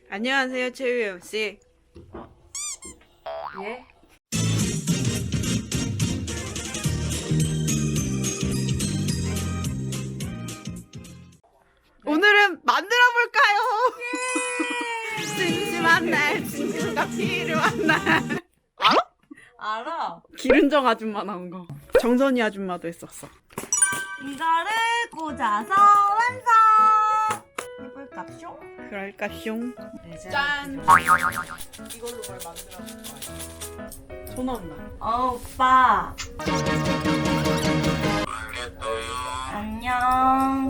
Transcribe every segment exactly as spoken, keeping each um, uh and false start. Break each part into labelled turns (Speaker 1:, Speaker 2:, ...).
Speaker 1: 안녕하세요, 최유영 씨.
Speaker 2: 예?
Speaker 1: 오늘은 만들어 볼까요? 심심한 날 친구가 필요한 날. 알아?
Speaker 2: 알아.
Speaker 1: 기른정 아줌마 나온 거. 정선이 아줌마도 했었어.
Speaker 2: 이거를 꽂아서 완성. 해볼까쇼?
Speaker 1: 그럴까 숑.
Speaker 2: 짠.
Speaker 1: 이걸로 뭘 만들어 볼 거야? 전화 온다.
Speaker 2: 어, 오빠. 안녕.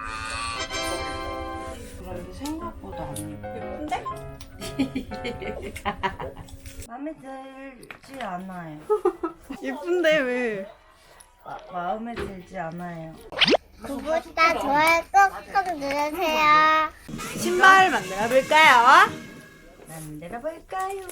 Speaker 2: 그런데 생각보다 안
Speaker 1: 예쁜데?
Speaker 2: 마음에 들지 않아요.
Speaker 1: 예쁜데 왜?
Speaker 2: 마, 마음에 들지 않아요.
Speaker 3: 구독과 좋아요 꾹꾹 누르세요.
Speaker 1: 신발 만들어 볼까요?
Speaker 2: 만들어 볼까요?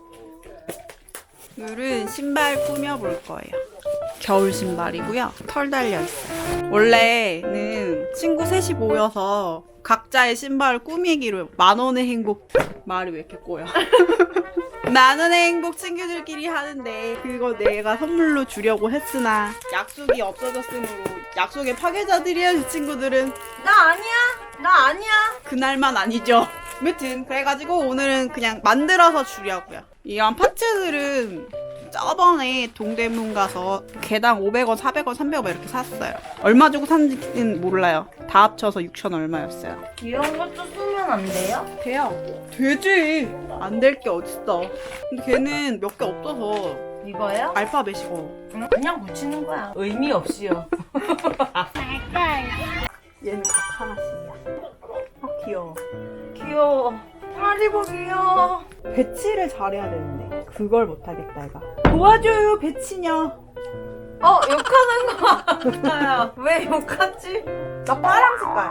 Speaker 1: 오늘은 신발 꾸며 볼 거예요. 겨울 신발이고요. 털 달려 있어요. 원래는 친구 셋이 모여서 각자의 신발을 꾸미기로 만 원의 행복. 말이 왜 이렇게 꼬여? 만 원의 행복 친구들끼리 하는데 그거 내가 선물로 주려고 했으나 약속이 없어졌으므로 약속의 파괴자들이야 이 친구들은.
Speaker 2: 나 아니야. 나 아니야.
Speaker 1: 그날만 아니죠. 아무튼 그래가지고 오늘은 그냥 만들어서 주려고요. 이런 파츠들은 저번에 동대문 가서 개당 오백 원, 사백 원, 삼백 원 이렇게 샀어요. 얼마 주고 샀는지는 몰라요. 다 합쳐서 육천 얼마였어요.
Speaker 2: 이런 것도 쓰면 안 돼요?
Speaker 1: 돼요. 되지. 안 될 게 어딨어. 근데 걔는 몇 개 없어서
Speaker 2: 이거요?
Speaker 1: 알파벳이고.
Speaker 2: 응, 그냥 붙이는 거야. 의미 없이요.
Speaker 3: 말걸.
Speaker 1: 얘는 각 하나씩이야. 아 귀여워.
Speaker 2: 귀여워. 하리보 귀여워.
Speaker 1: 배치를 잘해야 되는데 그걸 못하겠다 얘가. 도와줘요 배치냐.
Speaker 2: 어, 욕하는 거 같아요. 왜 욕하지?
Speaker 1: 나 파란 색깔.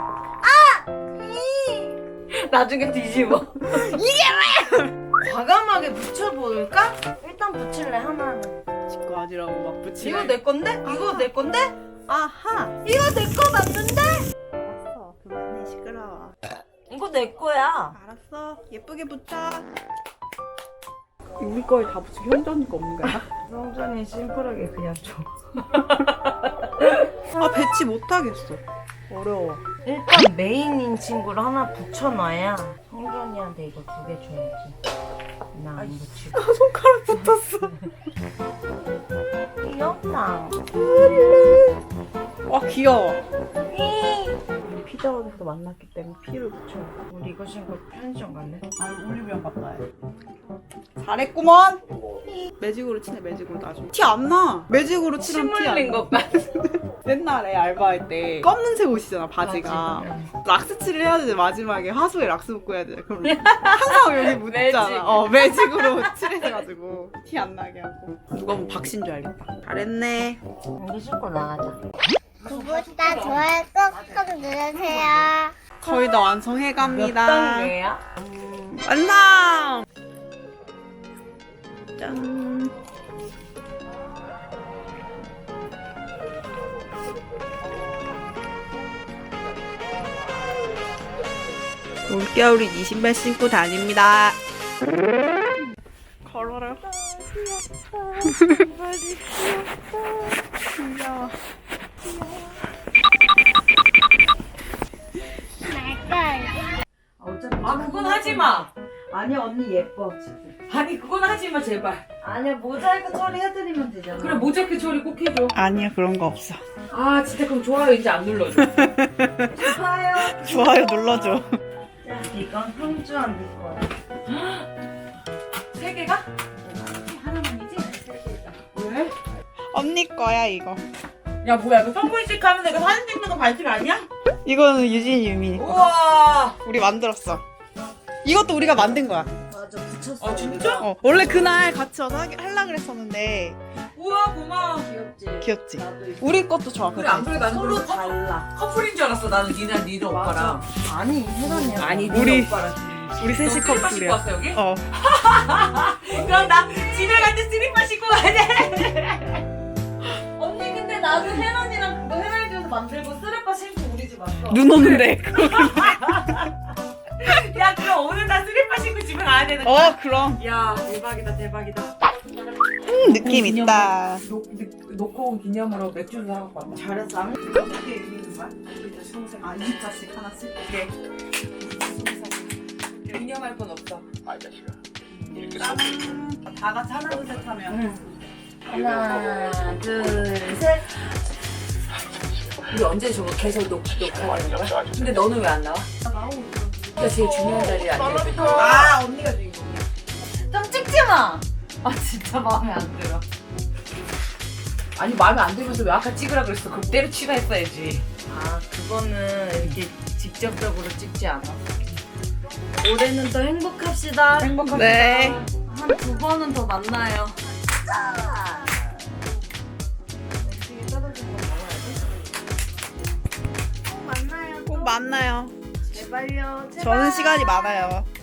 Speaker 2: 나중에 뒤집어. 이게 왜? 과감하게 붙여볼까? 일단 붙일래, 하나는.
Speaker 1: 직구하지라고 막 붙이래.
Speaker 2: 이거 내 건데? 이거 내 건데?
Speaker 1: 아하.
Speaker 2: 이거 내 거 맞는데?
Speaker 1: 알았어. 그만해 시끄러워.
Speaker 2: 이거 내 거야.
Speaker 1: 알았어. 예쁘게 붙여. 우리 거에 다 붙이고 현전이 거 없는 거야?
Speaker 2: 성전이 심플하게 그냥 줘.
Speaker 1: 아 배치 못하겠어. 어려워.
Speaker 2: 일단 메인인 친구를 하나 붙여놔야 성전이한테 이거 두 개 줘야지. 나 안 붙이고.
Speaker 1: 손가락 붙었어.
Speaker 2: 귀엽다.
Speaker 1: 와 귀여워. 우리 피자헛에서 만났기 때문에 피를 붙여.
Speaker 2: 우리 이거 신고 편의점 갈래?
Speaker 1: 아니 올리브영 갔다 해. 잘했구먼. 매직으로 치네 매직으로 나중에. 티 안 나. 매직으로 치면 티 안 나.
Speaker 2: 같아.
Speaker 1: 옛날에 알바할 때 검은색 옷이잖아 바지가.
Speaker 2: 바지,
Speaker 1: 락스 칠을 해야 되는데 마지막에 하수에 락스 묶고 해야 돼. 그럼 항상 여기 묻잖아.
Speaker 2: 매직.
Speaker 1: 어 매직으로 칠해가지고 티 안 나게 하고. 누가 보면 박신 줄 알겠다. 잘했네.
Speaker 2: 우리 신고 나가자.
Speaker 3: 구독과 좋아요 꾹꾹 누르세요.
Speaker 1: 거의 다
Speaker 2: 몇
Speaker 1: 완성해갑니다.
Speaker 2: 단계야?
Speaker 1: 완성! 짠. 올겨울이 이 신발 신고 다닙니다. 걸어라. 신발이 귀여워.
Speaker 3: 말걸.
Speaker 2: 아, 그건 하지 마.
Speaker 1: 아니 언니 예뻐 지금.
Speaker 4: 아니 그건 하지마 제발.
Speaker 2: 아니야, 모자이크 처리해드리면 되잖아.
Speaker 4: 그래 모자이크 처리 꼭 해줘.
Speaker 1: 아니야 그런 거 없어.
Speaker 4: 아 진짜 그럼 좋아요 이제 안 눌러줘.
Speaker 2: 좋아요.
Speaker 1: 좋아요 눌러줘.
Speaker 2: 자, 이건 형주한 네 거야.
Speaker 4: 세 개가? 하나만이지? 왜?
Speaker 1: 언니 거야 이거.
Speaker 4: 야 뭐야 이거 선물식 하면 내가 사진 찍는 거 반칙 아니야?
Speaker 1: 이거는 유진 유미.
Speaker 4: 우와.
Speaker 1: 우리 만들었어. 이것도 우리가 만든 거야.
Speaker 2: 맞아, 붙였어.
Speaker 4: 아 진짜?
Speaker 1: 어, 원래 그날 같이 와서 하기, 하려고 그랬었는데
Speaker 4: 우와 고마워.
Speaker 2: 귀엽지?
Speaker 1: 귀엽지?
Speaker 2: 나도 이거
Speaker 1: 우리 것도 좋아.
Speaker 4: 그래 안 그래 나는
Speaker 2: 서로
Speaker 4: 서로
Speaker 2: 달라.
Speaker 4: 커플인 줄 알았어. 나는 니랑 니네 오빠랑.
Speaker 2: 아니, 혜선이야.
Speaker 4: 아니
Speaker 1: 우리-
Speaker 4: 니네 오빠랑 둘이.
Speaker 1: 우리 셋이
Speaker 4: 너 슬리퍼 신고
Speaker 1: 커플이야.
Speaker 4: 왔어 여기?
Speaker 1: 어.
Speaker 4: 그럼 나 집에 갈 때 슬리퍼 신고 가야 돼.
Speaker 2: 언니, 근데 나도 혜선이랑 그거 혜선이 집에서 만들고 쓰레빠 신고 우리 집 왔어.
Speaker 1: 눈 오는데.
Speaker 4: 야 그럼 오늘 나 슬리퍼 집에 가야 되는
Speaker 1: 어
Speaker 4: 거야?
Speaker 1: 그럼.
Speaker 4: 야 대박이다 대박이다.
Speaker 1: 음, 느낌 있다.
Speaker 4: 놓, 놓고 온 기념으로 맥주를 사갖고 왔다.
Speaker 1: 잘했어. 어떻게 이기는 거야? 우리 스무 살. 아 이십 자씩 하나씩.
Speaker 4: 오케이. 기념할 건 없어.
Speaker 1: 짠. 다 같이 하나 둘 셋 하면.
Speaker 2: 하나, 둘, 셋.
Speaker 4: 우리 언제 저거 계속 놓, 놓고 가는 거야? 근데 너는 왜 안 나와? 그러니까 제일 중요한 자리에 앉아.
Speaker 1: 아 언니가 주인공이야.
Speaker 2: 좀 찍지 마. 아 진짜 마음에 안 들어.
Speaker 4: 아니 마음에 안 들면서 왜 아까 찍으라 그랬어? 그때로 취하했어야지.
Speaker 2: 아 그거는 이렇게 직접적으로 찍지 않아. 올해는 더 행복합시다.
Speaker 4: 행복합니다.
Speaker 1: 네.
Speaker 2: 한 두 번은 더 만나요.
Speaker 1: 꼭 만나요.
Speaker 2: 제발요. 제발.
Speaker 1: 저는 시간이 많아요.